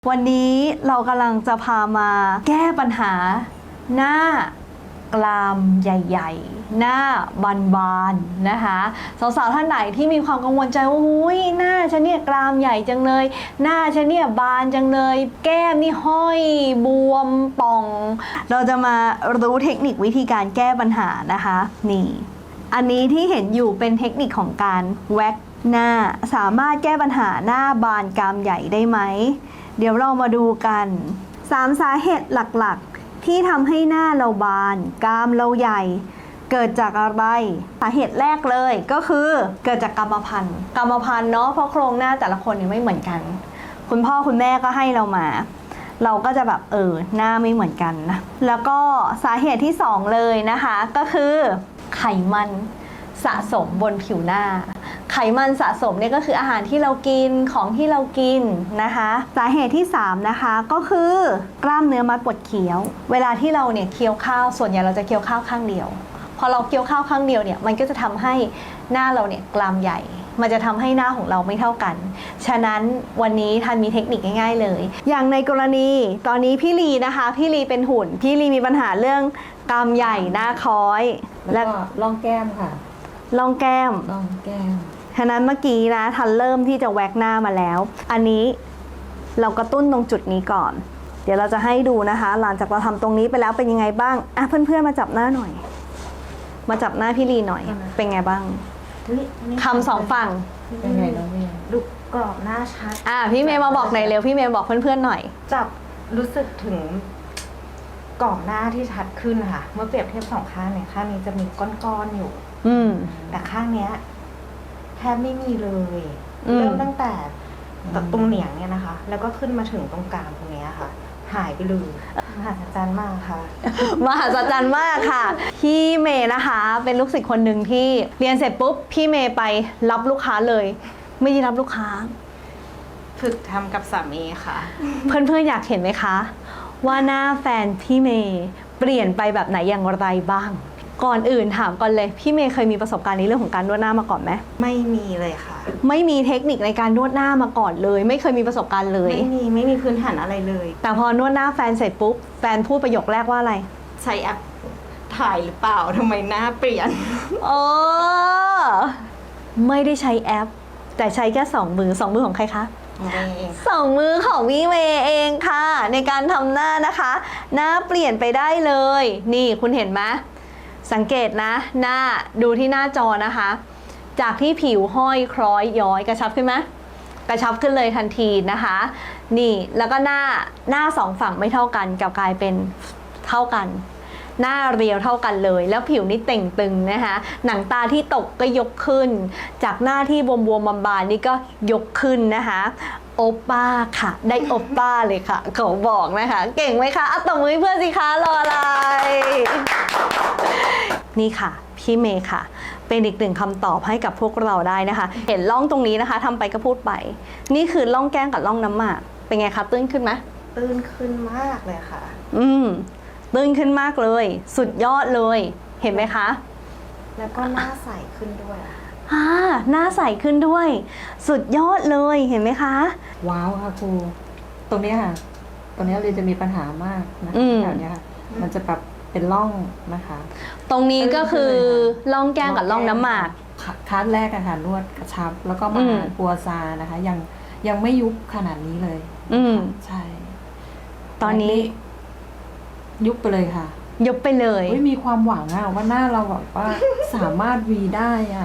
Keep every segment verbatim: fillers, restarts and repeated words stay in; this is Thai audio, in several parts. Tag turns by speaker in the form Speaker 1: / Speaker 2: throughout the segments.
Speaker 1: วันนี้เรากำลังจะพามาแก้ปัญหาหน้ากรามใหญ่ๆหน้าบานๆนะคะสาวๆท่านไหนที่มีความกังวลใจว่าอุ้ยหน้าฉันเนี่ยกรามใหญ่จังเลยหน้าฉันเนี่ยบานจังเลยแก้มนี่ห้อยบวมป่อง เราจะมารู้เทคนิควิธีการแก้ปัญหานะคะนี่อันนี้ที่เห็นอยู่เป็นเทคนิคของการแว็กหน้าสามารถแก้ปัญหาหน้าบานกรามใหญ่ได้ไหมเดี๋ยวเรามาดูกันสามสาเหตุหลักๆที่ทำให้หน้าเราบานกรามเราใหญ่เกิดจากอะไรสาเหตุแรกเลยก็คือเกิดจากกรรมพันธุ์กรรมพันธุ์เนาะเพราะโครงหน้าแต่ละคนเนี่ยไม่เหมือนกันคุณพ่อคุณแม่ก็ให้เรามาเราก็จะแบบเออหน้าไม่เหมือนกันนะแล้วก็สาเหตุที่สองเลยนะคะก็คือไขมันสะสมบนผิวหน้าไขมันสะสมเนี่ยก็คืออาหารที่เรากินของที่เรากินนะคะสาเหตุที่สามนะคะก็คือกล้ามเนื้อมัดปวดเคี้ยวเวลาที่เราเนี่ยเคี้ยวข้าวส่วนใหญ่เราจะเคี้ยวข้าวข้างเดียวพอเราเคี้ยวข้าวข้างเดียวเนี่ยมันก็จะทำให้หน้าเราเนี่ยกรามใหญ่มันจะทำให้หน้าของเราไม่เท่ากันฉะนั้นวันนี้ทันมีเทคนิคง่ายๆเลยอย่างในกรณีตอนนี้พี่ลีนะคะพี่ลีเป็นหุ่นพี่ลีมีปัญหาเรื่องกรามใหญ่หน้าคล้อย
Speaker 2: แล้วก็ร่องแก้มค่ะ
Speaker 1: ร่องแก้ม
Speaker 2: ร่องแก้ม
Speaker 1: ฉะนั้นเมื่อกี้นะทันเริ่มที่จะแว็กหน้ามาแล้วอันนี้เรากระตุ้นตรงจุดนี้ก่อนเดี๋ยวเราจะให้ดูนะคะหลังจากเราทำตรงนี้ไปแล้วเป็นยังไงบ้างอ่ะเพื่อนๆมาจับหน้าหน่อยมาจับหน้าพี่ลีหน่อยเป็นไงบ้างคำสองฝั่ง
Speaker 2: เป็นไงน้องเมย์
Speaker 3: ดูกรอบหน้าชัด
Speaker 1: อ่ะพี่เมย์มาบอกหน่อยเร็วพี่เมย์บอกเพื่อนๆหน่อย
Speaker 3: จับรู้สึกถึงกรอบหน้าที่ชัดขึ้นค่ะเมื่อเปรียบเทียบสองข้างเนี่ยข้างนี้จะมีก้อนๆอยู่
Speaker 1: อืม
Speaker 3: แต่ข้างเนี้ยแทบไม่มีเลยเริ่มตั้งแต่ตรงเหนียงเนี่ยนะคะแล้วก็ขึ้นมาถึงตรงกลางตรงนี้ค่ะหายไปเลยมหัศจรรย์มากค่ะ
Speaker 1: มหัศจรรย์มากค่ะพี่เมย์นะคะเป็นลูกศิษย์คนหนึ่งที่เรียนเสร็จปุ๊บพี่เมย์ไปรับลูกค้าเลยไม่ได้รับลูกค้า
Speaker 3: ฝึกทำกับสามีค่ะ
Speaker 1: เพื่อนๆอยากเห็นไหมคะว่าหน้าแฟนพี่เมย์เปลี่ยนไปแบบไหนอย่างไรบ้างก่อนอื่นถามก่อนเลยพี่เมย์เคยมีประสบการณ์ในเรื่องของการนวดหน้ามาก่อนไหม
Speaker 3: ไม่มีเลยค่ะ
Speaker 1: ไม่มีเทคนิคในการนวดหน้ามาก่อนเลยไม่เคยมีประสบการณ์เลย
Speaker 3: ไม่มีไม่มีพื้นฐานอะไรเลย
Speaker 1: แต่พอนวดหน้าแฟนเสร็จปุ๊บแฟนพูดประโยคแรกว่าอะไร
Speaker 3: ใช้แอปถ่ายหรือเปล่าทำไมหน้าเปลี่ยน
Speaker 1: เออไม่ได้ใช้แอปแต่ใช้แค่สองมือสองมือของใครคะสองมือของพี่เมย์เองค่ะในการทำหน้านะคะหน้าเปลี่ยนไปได้เลยนี่คุณเห็นไหมสังเกตนะหน้าดูที่หน้าจอนะคะจากที่ผิวห้อยคล้อยย้อยกระชับขึ้นไหมกระชับขึ้นเลยทันทีนะคะนี่แล้วก็หน้าหน้าสองฝั่งไม่เท่ากันกลับกลายเป็นเท่ากันหน้าเรียวเท่ากันเลยแล้วผิวนี่เต่งตึงนะคะหนังตาที่ตกก็ยกขึ้นจากหน้าที่บวมๆบานๆนี่ก็ยกขึ้นนะคะโอป้าค่ะได้โอป้าเลยค่ะเขาบอกนะคะเก่งไหมคะอ่ะตบมือเพื่อนสิคะรออะไรนี่ค่ะพี่เมย์ค่ะเป็นอีกหนึ่งคำตอบให้กับพวกเราได้นะคะเห็นร่องตรงนี้นะคะทำไปก็พูดไปนี่คือร่องแก้มกับร่องน้ำหมากเป็นไงคะตื้นขึ้นไหม
Speaker 3: ตื้นขึ้นมากเลยค่ะ
Speaker 1: อืมตื้นขึ้นมากเลยสุดยอดเลยเห็นไหมคะ
Speaker 3: แล้วก็หน้าใสขึ้นด้วย
Speaker 1: อ่าหน้าใสขึ้นด้วยสุดยอดเลยเห็นไหมคะ
Speaker 2: ว้าวค่ะครูตรงนี้ค่ะตรงนี้เลยจะมีปัญหามากนะแถวนี้ค่ะมันจะแบบเป็นร่องนะคะ
Speaker 1: ตรงนี้ก็คือร่องแก้มกับร่องน้ำหมาก
Speaker 2: คัดแรกอะค่ะนวดกระชับแล้วก็มาปัวซานะคะยังยังไม่ยุบขนาดนี้เลย
Speaker 1: อืม
Speaker 2: ใช่
Speaker 1: ตอนนี้
Speaker 2: ยุบไปเลยค่ะ
Speaker 1: ยุบไปเลย
Speaker 2: ไม่มีความหวังอะว่าหน้าเราแบบว่าสามารถวีได้อะ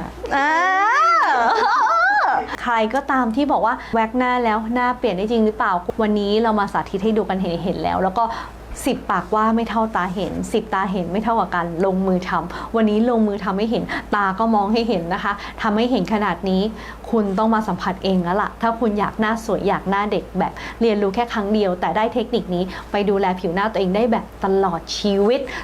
Speaker 1: ใครก็ตามที่บอกว่าแว็กหน้าแล้วหน้าเปลี่ยนได้จริงหรือเปล่าวันนี้เรามาสาธิตให้ดูกันเห็นเห็นแล้วแล้วก็สิบปากว่าไม่เท่าตาเห็นสิบตาเห็นไม่เท่ากับการลงมือทำวันนี้ลงมือทำให้เห็นตาก็มองให้เห็นนะคะทำให้เห็นขนาดนี้คุณต้องมาสัมผัสเองแล้วล่ะถ้าคุณอยากหน้าสวยอยากหน้าเด็กแบบเรียนรู้แค่ครั้งเดียวแต่ได้เทคนิคนี้ไปดูแลผิวหน้าตัวเองได้แบบตลอดชีวิต